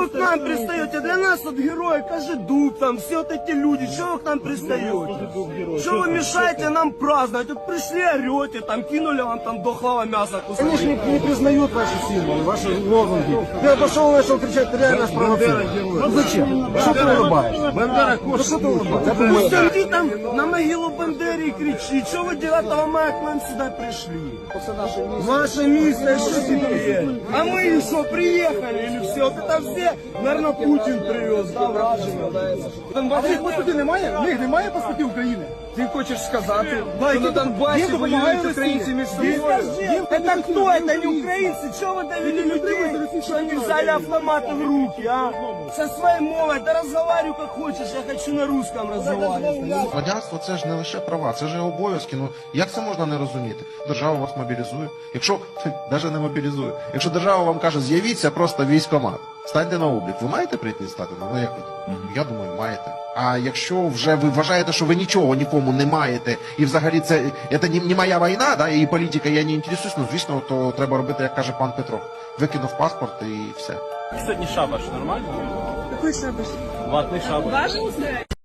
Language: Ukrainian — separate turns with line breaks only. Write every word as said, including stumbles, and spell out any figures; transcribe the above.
вы к нам пристаете? Для нас вот герои, Кожедуб, там, все вот эти люди, что вы к нам пристаете? Что вы мешаете нам праздновать? Вот пришли, орете, там, кинули вам там дохлого мяса кусок.
Они же не, не признают ваши символы, ваши лозунги. Ты пошел, начал кричать, ты реально спровоцировал. Ну зачем? Что ты улыбаешься?
Бандера
Ну что ты улыбаешься?
Пусть иди там на могилу Бандеры и кричи, что вы девятого мая к нам сюда пришли? Ваше место, что теперь? А мы что, приехали или все? Вот это все, наверное, Путин привез, да, враження.
А в них паспортів немає? В них немає паспортів України?
Ти хочеш сказати,
Да,
що на
їм-
Донбасі
їм допомагає
воюють
Росія.
українці між собою?
Їм-
Это кто? Это не украинцы? Чего вы довели людей, что они взяли автоматы в руки, а? Со своей мовой, да разговаривай как хочешь, я хочу на русском разговаривать.
Громадянство це ж не лише права, це ж і обов'язки. Ну як це можна не розуміти? Держава вас мобілізує. Якщо навіть не мобілізує, якщо держава вам каже, з'явіться просто військкомат, станьте на облік, ви маєте прийти і стати? Ну як ви? Я думаю, маєте. А якщо вже ви вважаєте, що ви нічого нікому не маєте, і взагалі це, це не, не моя війна, да, і політика, я не інтересуюсь, ну звісно, то треба робити, як каже пан Петро. Викинув паспорт і все.
Сьогодні шабаш нормально?
Какой шабаш?
Ватний шабаш.
Важен?